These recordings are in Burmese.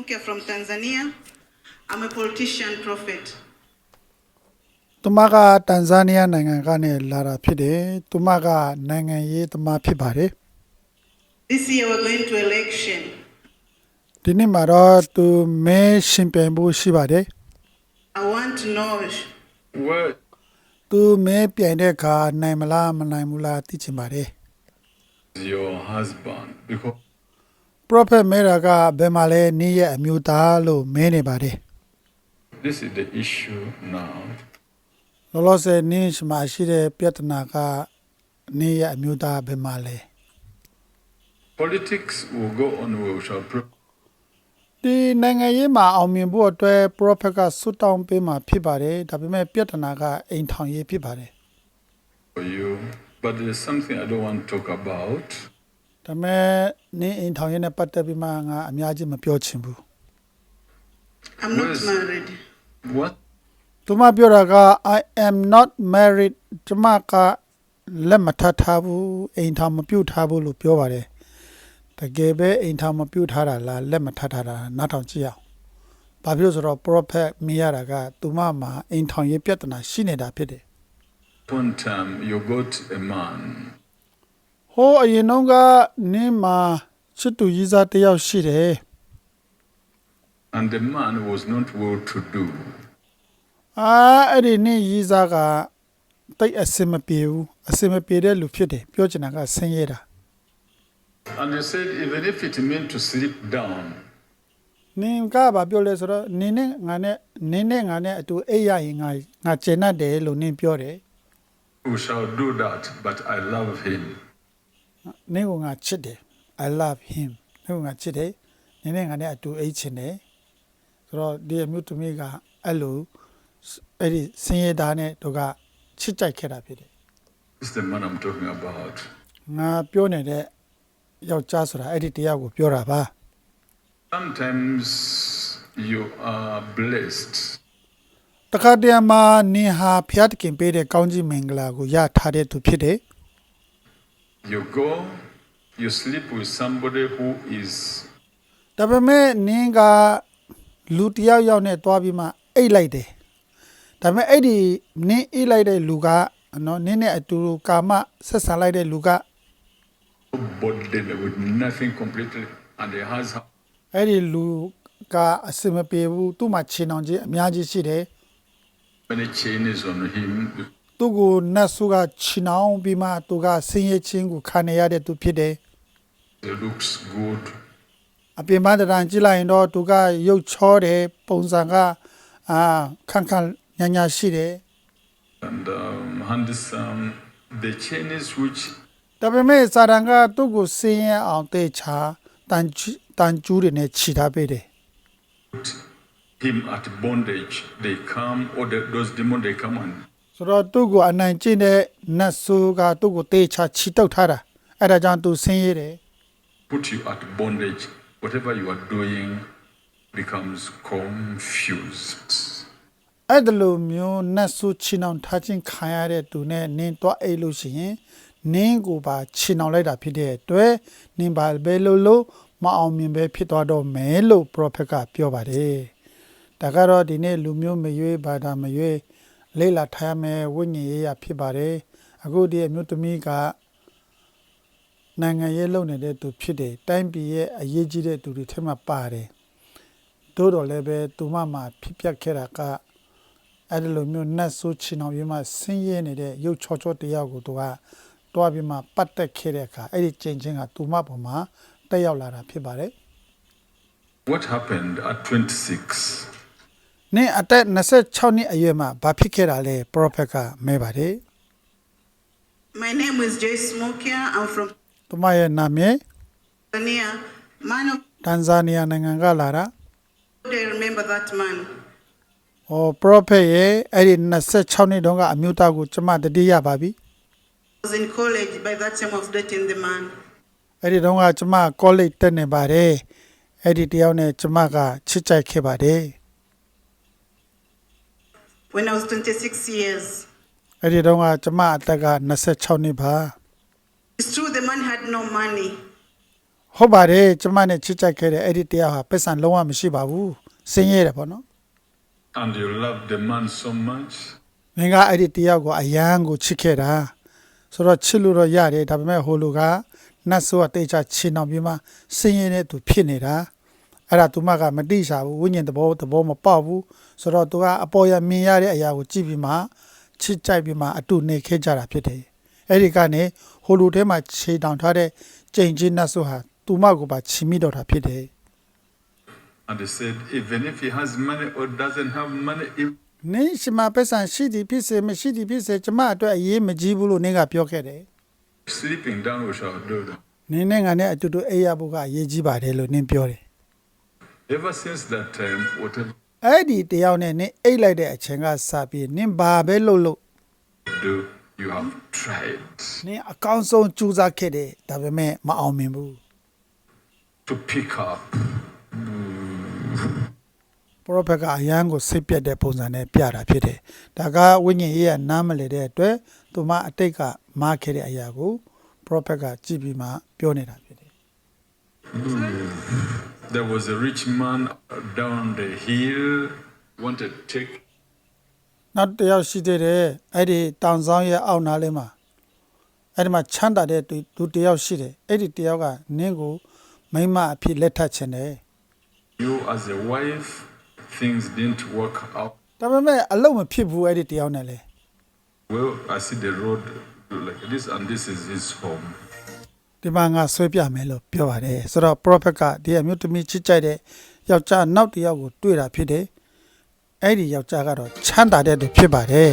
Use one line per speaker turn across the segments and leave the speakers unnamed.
Mukia from Tanzania. I'm a politician prophet.
သူမကတန်ဇာနီးယားနိုင်ငံကနေလာတာဖြစ်တယ်သူမကနိုင်ငံရေးသမားဖြစ်ပါတယ်
This year we're going to election.
ဒီနေ့မှာတော့သူမဲရှင်ပြိုင်ဖို့ရှိပါတယ်
I want to know
Where
သူမဲပြိုင်တဲ့အခါနိုင်မလားမနိုင်ဘူးလားသိချင်ပါတယ်
is your husband? Because
prophet မဲတာကဘယ်မှာလဲနေ့ရက်အမျိုးသားလို့မဲနေပါတယ်
this is the issue now.
လောလောဆယ်နေ့မှာရှိတဲ့ပြဿနာကနေ့ရက်အမျိုးသားဘယ်မှာလဲ
Politics will go on. We shall pray
ဒီနိုင်ငံရေးမှာအောင်မြင်ဖို့အတွက် prophet ကဆွတ်တောင်းပေးမှာဖြစ်ပါတယ်ဒါပေမဲ့ပြဿနာကအိမ်ထောင်ရေးဖြစ်ပါတယ်
for you. But there's something I don't want to talk about.
ဒါပေမဲ့နင်းအိမ်ထောင်ရေးနဲ့ပတ်သက်ပြီးမှငါအများကြီးမပြောချင်ဘူး
I'm not
Where's-
married.
What?
သူမပြောတာက I am not married ကျမကလက်မထပ်ထားဘူးအိမ်ထောင်မပြုတ်ထားဘူးလို့ပြောပါတယ်တကယ်ပဲအိမ်ထောင်မပြုတ်ထားတာလားလက်မထပ်ထားတာနားထောင်ကြည့်အောင်ဘာဖြစ်လို့ဆိုတော့ prophet မြင်ရတာကသူမမှာအိမ်ထောင်ရေးပြဿနာရှိနေတာဖြစ်တယ်
One time you got a man.
ဟိုအရင်တော့ကနင်းမှာချစ်သူကြီးစားတစ်ယောက်ရှိတယ်
And the man was not well to do.
အဲ့ဒီနင်းကြီးစားကတိတ်အစင်မပြေဘူးအစင်မပြေတဲ့လူဖြစ်တယ်ပြောချင်တာကဆင်းရဲတာ
And he said, even if it meant to sleep down,
နင်ကဘာပြောလဲဆိုတော့နင်းနဲ့ငါနဲ့အတူအိပ်ရရင်ငါကျင်တတ်တယ်လို့နင်းပြောတယ်
we shall do that, but I love him.
နင်းကငါချစ်တယ် I love him နင်းကငါချစ်တယ်နင်းနဲ့ငါနဲ့အတူအိပ်ချင်တယ်ဆိုတော့ဒီအမျိုးသမီးကအဲ့လိုအဲ့ဒီဆင်းရဲသားနဲ့တို့ကချစ်ကြိုက်ခဲ့တာဖြစ်တယ်
This is the man I'm talking about.
ငါပြောနေတဲ့ယောက်ျားဆိုတာအဲ့ဒီတရားကိုပြောတာပါ
Sometimes you are blessed.
တခါတည်းမှာနင်ဟာဖျားတခင်ပေးတဲ့ကောင်းကြီးမင်္ဂလာကိုရထားတဲ့သူဖြစ်တယ်
You go, you sleep with somebody who is
ဒါပေမဲ့နင်ကလူတစ်ယောက်ယောက်နဲ့တွားပြီးမှအိတ်လိုက်တယ်ဒါပေမဲ့အဲ့ဒီနင်အိတ်လိုက်တဲ့လူကနော်နင်နဲ့အတူကာမဆက်ဆံလိုက်တဲ့လူက
burdened with nothing completely, and he has
အဲ့ဒီလူကအစင်မပြေဘူးသူ့မှာခြေနှောင်ခြင်းအများကြီးရှိတယ်
many chains on him.
သူ့ကိုနတ်ဆုကခြေနှောင်ပြီးမှသူကဆင်းရဲခြင်းကိုခံရတဲ့သူဖြစ်တယ်
He looks good.
အပြင်ပန်းတရံကြည့်လိုက်ရင်တော့သူကရုပ်ချောတယ်ပုံစံကခန့်ခန့်ညာညာရှိတယ်
And handsome. The chains which
ဒါပေမဲ့စာတန်ကသူ့ကိုဆင်းရဲအောင်တေချာတန်ကျူးတွေနဲ့ခြိထားပေးတယ်
put him at bondage, they come, or those demons, they come and
ဆိုတော့သူ့ကိုအနိုင်ကျင့်တဲ့နတ်ဆိုးကသူ့ကိုတေချာခြိတုပ်ထားတာအဲ့ဒါကြောင့်သူဆင်းရဲတယ်
put you at bondage. Whatever you are doing becomes confused.
အဲ့ဒါလိုမျိုးနတ်ဆိုးခြိနှောင်ထားခြင်းခံရတဲ့သူနဲ့နင်းတော့အိတ်လို့ရှိရင်နင်းကိုပါခြိနှောင်လိုက်တာဖြစ်တဲ့အတွက်နင်းပါဘယ်လိုမအောင်မြင်ပဲဖြစ်သွားတော့မယ်လို့ prophet ကပြောပါတယ်ဒါကတော့ဒီနေ့လူမျိုးမရွေးဘာသာမရွေးလေ့လာထားရမယ်ဝိညာဉ်ရေးရဖြစ်ပါတယ်အခုဒီအမျိုးသမီးကနိုင်ငံရေးလုပ်နေတဲ့သူဖြစ်တယ်တိုင်းပြည်ရဲ့အရေးကြီးတဲ့သူတွေထဲမှာပါတယ်တိုးတော်လည်းပဲသူမမှာဖြစ်ပျက်ခဲ့တာကအဲ့ဒီလိုမျိုးနတ်ဆိုးချင်အောင်ပြီးမှဆင်းရဲနေတဲ့ရုပ်ချောချောတရားကိုသူကတွားပြီးမှပတ်သက်ခဲ့တဲ့အခါအဲ့ဒီကျင့်ချင်းကသူမပေါ်မှာတက်ရောက်လာတာဖြစ်ပါတယ်
What happened at 26?
နင်းအသက်26နှစ်အရွယ်မှာဘာဖြစ်ခဲ့တာလဲ prophet ကမဲပါတယ်
My name is Joyce Mukia. I'm from
သူမရဲ့နာမည်
Tanzania. Man of
တန်ဇာနီးယားနိုင်ငံကလာတာ
God, I remember that man.
prophet ရဲ့အဲ့ဒီ26နှစ်တုန်းကအမျိုးသားကိုကျမတတိယပါပြီ
I was in college by that time of dating the man.
အဲ့ဒီတုန်းကကျမ college တက်နေပါတယ်အဲ့ဒီတယောက်နဲ့ကျမကချစ်ကြိုက်ခဲ့ပါတယ်
When I was 26 years.
အဲ့ဒီတုန်းကကျမအသက်က26နှစ်ပါ
It's true the man had no money.
ဟုတ်ပါတယ်ကျမနဲ့ချစ်ကြိုက်ခဲ့တဲ့အဲ့ဒီတရားဟာပက်ဆန်လုံးဝမရှိပါဘူးဆင်းရဲတယ်ပေါ့နော်
and you love the man so much,
မင်းကအဲ့ဒီတရားကိုအယံကိုချစ်ခဲ့တာဆိုတော့ချစ်လို့တော့ရတယ်ဒါပေမဲ့ဟိုလူကနတ်ဆိုးကတေချာချင်အောင်ပြီးမှဆင်းရဲတဲ့သူဖြစ်နေတာအဲ့ဒါသူမကမတိရှာဘူးဝိညာဉ်သဘောမပေါက်ဘူးဆိုတော့သူကအပေါ်ရမြင်ရတဲ့အရာကိုကြည့်ပြီးမှချစ်ကြိုက်ပြီးမှအတူနေခဲ့ကြတာဖြစ်တယ်အဲ့ဒီကနေဟိုလူထဲမှာခြေတောင်ထားတဲ့ကြိမ်ချင်းနတ်ဆိုးဟာသူမကိုပါချီမိတော့တာဖြစ်တယ်
and he said, even if he has money or doesn't have money, if
နင်းရှိမှာပက်ဆန်ရှိသည်ဖြစ်စေမရှိသည်ဖြစ်စေကျမအတွက်အရေးမကြီးဘူးလို့နင်းကပြောခဲ့တယ်
sleeping down, we shall do that.
နင်းနဲ့ငါနဲ့အတူတူအိပ်ရဖို့ကအရေးကြီးပါတယ်လို့နင်းပြောတယ်
Ever since that time, whatever
အဲ့ဒီတယောက်နဲ့နင်းအိပ်လိုက်တဲ့အချိန်ကစပြီးနင်းဘာပဲလုပ်လို့
you do, you have tried
နင်းအကောင်းဆုံးကြိုးစားခဲ့တယ်ဒါပေမဲ့မအောင်မြင်ဘူး
to pick up.
ပရောဖက်ကအရန်ကိုစိတ်ပြတ်တဲ့ပုံစံနဲ့ပြတာဖြစ်တယ်ဒါကဝိညာဉ်ရေးကနားမလည်တဲ့အတွက်သူမအတိတ်ကမားခဲ့တဲ့အရာကိုပရောဖက်ကကြည့်ပြီးမှပြောနေတာဖြစ်တယ်
There was a rich man down the hill, wanted to take
နောက်တစ်ယောက်ရှိသေးတယ်အဲ့ဒီတောင်ဆောင်ရဲ့အောက်နားလေးမှာအဲ့ဒီမှာချမ်းသာတဲ့သူတစ်ယောက်ရှိတယ်အဲ့ဒီတစ်ယောက်ကနင်းကိုမိမအဖြစ်လက်ထပ်ချင်တယ်
you as a wife, things didn't work out.
ဒါပေမဲ့အလုံးမဖြစ်ဘူးအဲ့ဒီတစ်ယောက်နဲ့လေ
Well, I see the road like this, and this is his home.
ဒီမှာငါဆွဲပြမယ်လို့ပြောပါတယ်ဆိုတော့ prophet ကဒီအမျိုးသမီးချစ်ကြိုက်တဲ့ယောက်ျားနောက်တစ်ယောက်ကိုတွေ့တာဖြစ်တယ်အဲ့ဒီယောက်ျားကတော့ချမ်းသာတဲ့သူဖြစ်ပါတယ်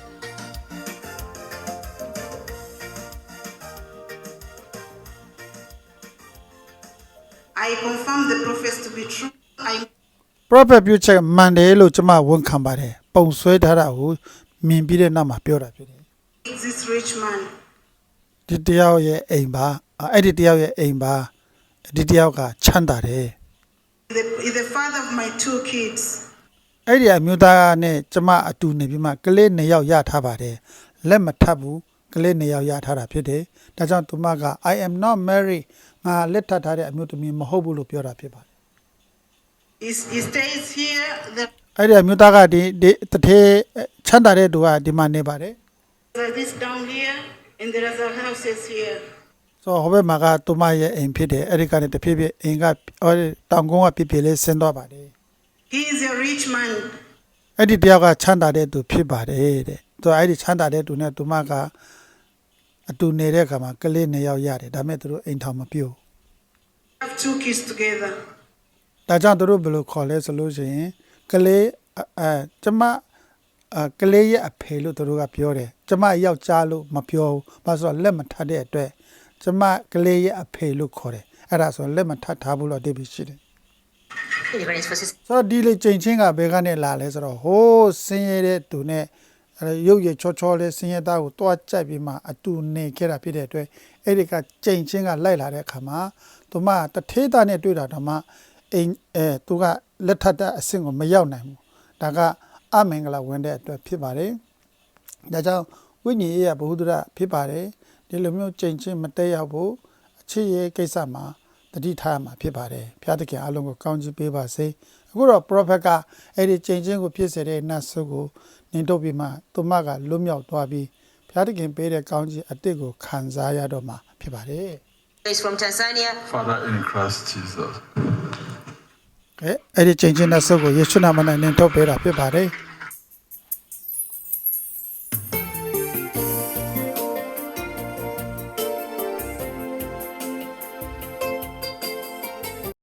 I confirm the prophets to be true. I
prophet ပြုချက်မှန်တယ်လို့ကျွန်မဝန်ခံပါတယ်ပုံဆွဲထားတာကိုမြင်ပြီးတဲ့နောက်မှာပြောတာဖြစ်တယ်
meet this rich man.
ဒီတယောက်ရဲ့အိမ်ပါအဲ့ဒီတယောက်ရဲ့အိမ်ပါဒီတယောက်ကချမ်းသာတယ်
He's the father of my 2 kids.
အဲ့ဒီအမျိုးသားနဲ့ကျမအတူနေပြီးမှကလေး2ယောက်ရထားပါတယ်လက်မထပ်ဘူးကလေး2ယောက်ရထားတာဖြစ်တယ်ဒါကြောင့်သူမက I am not married ငါလက်ထပ်ထားတဲ့အမျိုးသမီးမဟုတ်ဘူးလို့ပြောတာဖြစ်ပါတယ်
He stays here.
အဲ့ဒီအမျိုးသားကဒီတထေးချမ်းသာတဲ့သူကဒီမှာနေပါတယ်
There's this down here, and there are other houses here.
ဆိုဟိုဘက်မှာကသူမရဲ့အိမ်ဖြစ်တယ်အဲ့ဒီကနေတဖြည်းဖြည်းအိမ်ကတောင်ကုန်းကပြပြလေးဆင်းသွားပါတယ်
He is a rich man.
အဲ့ဒီတယောက်ကချမ်းသာတဲ့သူဖြစ်ပါတယ်တဲ့သူအဲ့ဒီချမ်းသာတဲ့သူနဲ့သူမကအတူနေတဲ့အခါမှာကလေး2ယောက်ရတယ်ဒါပေမဲ့သူတို့အိမ်ထောင်မပြုတ်
Have 2 kids together.
ဒါကြောင့်သူတို့ဘယ်လိုခေါ်လဲဆိုလို့ရှိရင်ကလေးကျမကလေးရဲ့အဖေလို့သူတို့ကပြောတယ်ကျမယောက်ျားလို့မပြောဘူးဘာလို့ဆိုတော့လက်မထပ်တဲ့အတွက်ကျမကလေးရဲ့အဖေလို့ခေါ်တယ်အဲ့ဒါဆိုလက်မထပ်ထားဘူးလို့အဓိပ္ပာယ်ရှိတယ်ဆိုတော့ဒီလေချိန်ချင်းကဘယ်ကနေလာလဲဆိုတော့ဟိုးဆင်းရဲတဲ့သူနဲ့ရုပ်ရည်ချောလေးဆင်းရဲသားကိုတွားကြိုက်ပြီးမှအတူနေခဲ့တာဖြစ်တဲ့အတွက်အဲ့ဒီကချိန်ချင်းကလိုက်လာတဲ့အခါမှာသူမတထေးသားနဲ့တွေ့တာတော့မှအိမ်သူကလက်ထပ်တဲ့အဆင့်ကိုမရောက်နိုင်ဘူးဒါကအမင်္ဂလာဝင်တဲ့အတွက်ဖြစ်ပါတယ်ဒါကြောင့်ဝိညာဉ်ရေးရဘုဟုတ္တရဖြစ်ပါတယ်ဒီလိုမျိုးချိန်ချင်းမတက်ရောက်ဖို့အခြေရေးကိစ္စမှာတတိထားမှာဖြစ်ပါတယ်ဖျားသခင်အလုံးကိုကောင်းချီးပေးပါစေအခုတော့ prophet ကအဲ့ဒီချိန်ချင်းကိုဖြစ်စေတဲ့နတ်ဆုကိုနင်တို့ပြီးမှသူမကလွတ်မြောက်သွားပြီးဖျားသခင်ပေးတဲ့ကောင်းချီးအစ်စ်ကိုခံစားရတော့မှာဖြစ်ပါတယ်
Is from Tanzania.
Father in Christ Jesus.
အဲ့ဒီချိန်ချင်းနတ်ဆုကိုယေရှုနာမနဲ့နင်တို့ပေးတာဖြစ်ပါတယ်